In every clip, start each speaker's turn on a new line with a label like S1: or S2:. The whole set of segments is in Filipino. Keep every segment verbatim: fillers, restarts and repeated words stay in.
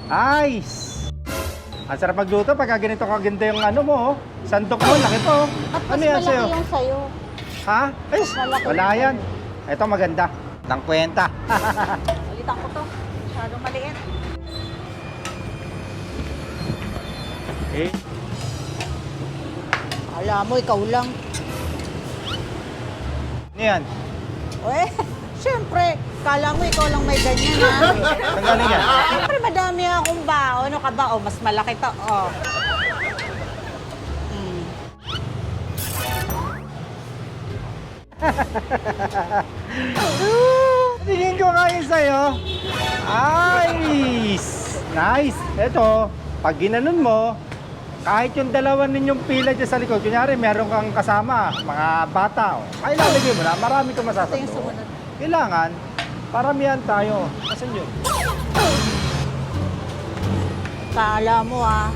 S1: Nice! Ang sarap magluto pagka ganito kaganda yung ano mo, oh. Sandok mo, laki po.
S2: At mas
S1: Ano yan
S2: malaki
S1: sa'yo?
S2: yung sa'yo.
S1: Ha? Ay,
S2: Malaki
S1: wala
S2: yung
S1: yan. Ito maganda. Tang kwenta.
S2: Ulitan ko to. Masyadong maliit.
S1: Eh,
S2: Alam mo, ikaw lang.
S1: ano yan?
S2: Eh, syempre, kala mo ikaw lang may ganyan, ha?
S1: Saan galing yan?
S2: Siyempre, madami akong bao. Ano ka ba? O, mas malaki to. Oh. Mm.
S1: Tingin ko kayo sa'yo. Nice! Nice! Ito, pag ginanon mo, kahit yung dalawa ninyong pila dyan sa likod, kunyari meron kang kasama, mga bata, oh, ay lalagay mo na, marami kang
S2: Ito yung
S1: masasando.
S2: sumunod.
S1: Kailangan, paramihan tayo. Asan yun?
S2: Kala mo, ha?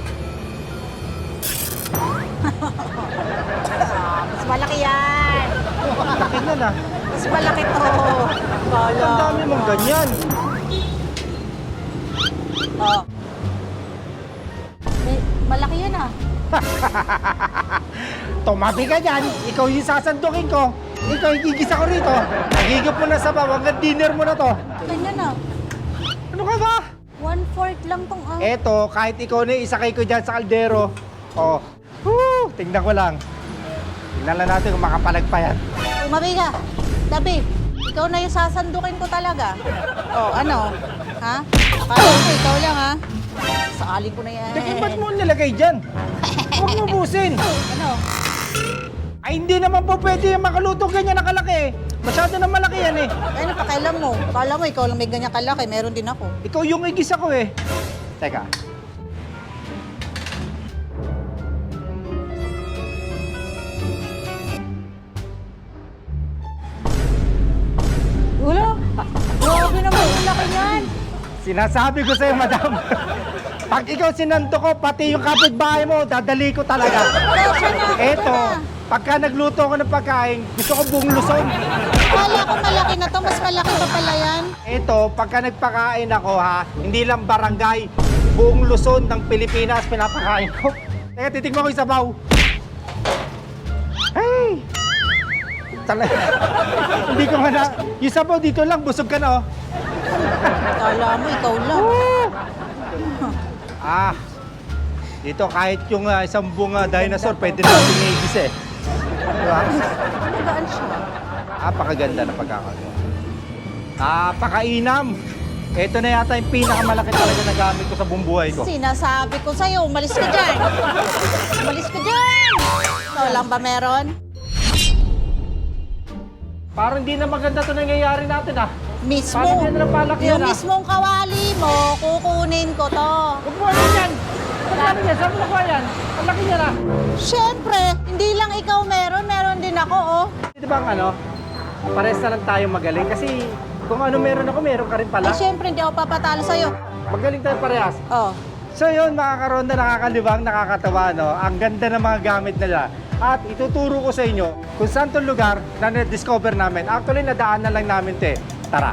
S2: Ah, mas malaki yan.
S1: Laki na na.
S2: Mas malaki to. Kala
S1: Ang dami mong ganyan.
S2: Oh. May, malaki yan, ah.
S1: Tumabi ka dyan, ikaw yung sasandukin ko. Ikaw yung gigisa ko rito. Nagigip mo na sa bawa, hanggang dinner mo na to.
S2: Ganyan, ah.
S1: Ano ka ba?
S2: One-fourth lang tong, ah.
S1: Eto, kahit ikaw na isakay ko dyan sa kaldero. Oh, woo, tingnan ko lang. Tingnan lang natin kung makapalag pa yan.
S2: Umabi ka. Dabi, ikaw na yung sasandukin ko talaga. Oh, ano? Ha? Akala mo, ikaw lang, ha? Sakalin ko na yan.
S1: Teka, ba't mo nilagay dyan? Huwag mo busin.
S2: Ano?
S1: Ay, hindi naman po pwede yung makaluto ganyan na kalaki. Masyado na malaki yan eh.
S2: Ano pakailan mo? Kala mo, ikaw lang may ganyan kalaki. Meron din ako.
S1: Ikaw yung igisa ko eh. Teka.
S2: Wala. Grabe naman yung laki niyan.
S1: Sinasabi ko sa'yo, madam. Pag ikaw sinanto ko, pati yung kapitbahay mo, dadali ko talaga.
S2: Kasya na.
S1: Eto, pagka nagluto ko ng pagkain, gusto ko buong Luzon.
S2: Kala ko malaki na to. Mas malaki pa pala yan.
S1: Eto, pagka nagpakain ako ha, hindi lang barangay, buong Luzon ng Pilipinas pinapakain ko. Teka, titigman ko yung sabaw. Hey! Talaga. Hindi ko nga na... Yung sabaw dito lang, busog ka na oh.
S2: Kala mo, ikaw lang.
S1: Ah, dito kahit yung ah, isang buong ah, dinosaur, pwede natin i-igis eh. Diba?
S2: Magaan siya.
S1: Napakaganda na pagkakagawa. Napakainam. Ito na yata yung pinakamalaki talaga na gamit ko sa buong buhay ko.
S2: Sinasabi ko sa'yo, umalis ka dyan. Umalis ka dyan. Ikaw lang ba meron?
S1: Parang hindi na maganda ito nangyayari natin ah.
S2: Mismo.
S1: Paano yan na palaki
S2: Yung
S1: yan, ah?
S2: mismong kawali mo, kukunin ko to.
S1: Huwag mo ano yan! Ano yan? Saan mo nakuha yan? Ang laki niya na.
S2: Siyempre, hindi lang ikaw meron, meron din ako, oh.
S1: Di ba ang ano? Pares na lang tayo magaling kasi kung ano meron ako, meron ka rin pala.
S2: Eh, siyempre, hindi ako papatalo sa'yo.
S1: Magaling tayo parehas.
S2: Oh.
S1: So yun, mga karonda, nakakalibang, nakakatawa, no? Ang ganda ng mga gamit nila. At ituturo ko sa inyo kung saan itong lugar na na-discover namin. Actually, nadaanan lang namin ito eh. Tara!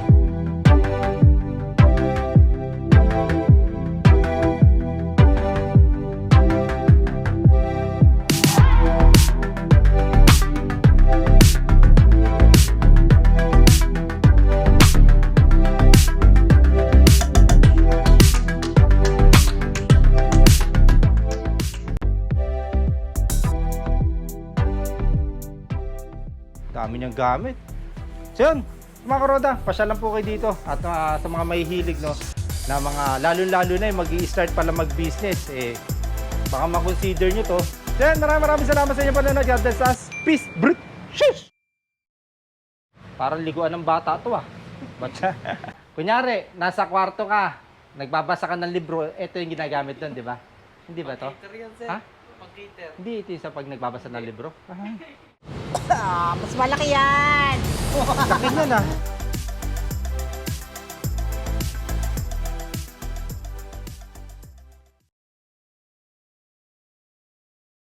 S1: Dami niyang gamit. So yun, mga karoda, pasya lang po kayo dito. At uh, sa mga mahihilig, no, na mga lalo-lalo na yung mag-i-start pala mag-business, eh, baka makonsider nyo to. So yun, maraming maraming salamat sa inyo panonood. God bless us. Peace, brut, shish! Parang liguan ng bata to ah. But, kunyari, nasa kwarto ka, nagbabasa ka ng libro, ito yung ginagamit doon, di ba? Hindi ba to?
S3: Pang-cater yan, sir.
S1: Ha?
S3: Pang-cater.
S1: Hindi ito yung sa pag nagbabasa ng libro.
S2: Ah, mas malaki yan.
S1: Laki niya na.